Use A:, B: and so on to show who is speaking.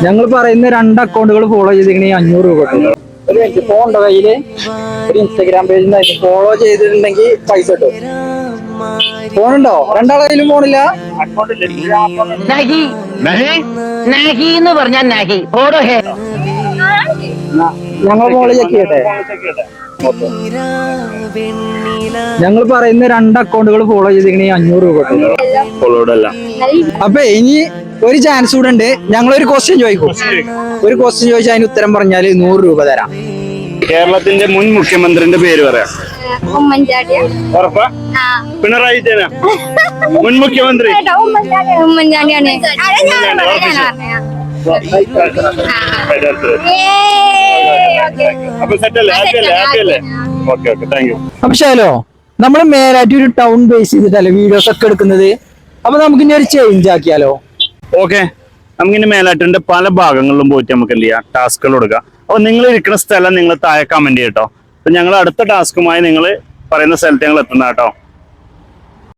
A: ഞങ്ങൾ പറയുന്ന 2 അക്കൗണ്ടുകൾ ഫോളോ ചെയ്തിട്ടുണ്ടെങ്കിൽ 500 രൂപ കിട്ടും. ഒരു മിനിറ്റ്, ഫോൺ ഉണ്ടോ കയ്യില്? ഒരു ഇൻസ്റ്റാഗ്രാം പേജ് ഫോളോ ചെയ്തിട്ടുണ്ടെങ്കിൽ പൈസ കിട്ടും. ഫോണുണ്ടോ? 2 കയ്യിലും ഫോണില്ല. ഞങ്ങൾ ഫോളോ ചെക്ക് ചെയ്യട്ടെ. ഞങ്ങൾ പറയുന്ന 2 അക്കൗണ്ടുകൾ ഫോളോ ചെയ്തിട്ടുണ്ടെങ്കിൽ 500 രൂപ കിട്ടും. അപ്പൊ ഇനി ഒരു ചാൻസ് കൂടെ ഉണ്ട്. ഞങ്ങളൊരു ക്വസ്റ്റ്യൻ ചോദിക്കും. ഒരു ക്വസ്റ്റ്യൻ ചോദിച്ചാൽ അതിന് ഉത്തരം പറഞ്ഞാൽ 100 രൂപ തരാം.
B: കേരളത്തിന്റെ മുൻ മുഖ്യമന്ത്രിന്റെ പേര് പറയാം. ഉറപ്പാ? പിണറായി വിജയൻ മുൻ മുഖ്യമന്ത്രി.
A: അപ്പൊ ശാലോ, നമ്മള് മേലായിട്ട് ഒരു ടൗൺ ബേസ് ചെയ്തിട്ടല്ലേ വീഡിയോസ് ഒക്കെ എടുക്കുന്നത്. അപ്പൊ നമുക്ക് ഇനി ഒരു ചേഞ്ച് ആക്കിയാലോ?
B: ഓക്കെ, നമുക്കിനി മേലാറ്റിന്റെ പല ഭാഗങ്ങളിലും പോയിട്ട് നമുക്ക് എന്ത് ചെയ്യാം, ടാസ്കുകൾ കൊടുക്കാം. അപ്പൊ നിങ്ങൾ ഇരിക്കുന്ന സ്ഥലം നിങ്ങൾ താഴെ കമന്റ് ചെയ്യട്ടോ. അപ്പൊ ഞങ്ങൾ അടുത്ത ടാസ്കുമായി നിങ്ങൾ പറയുന്ന സ്ഥലത്ത് ഞങ്ങൾ എത്തുന്ന കേട്ടോ.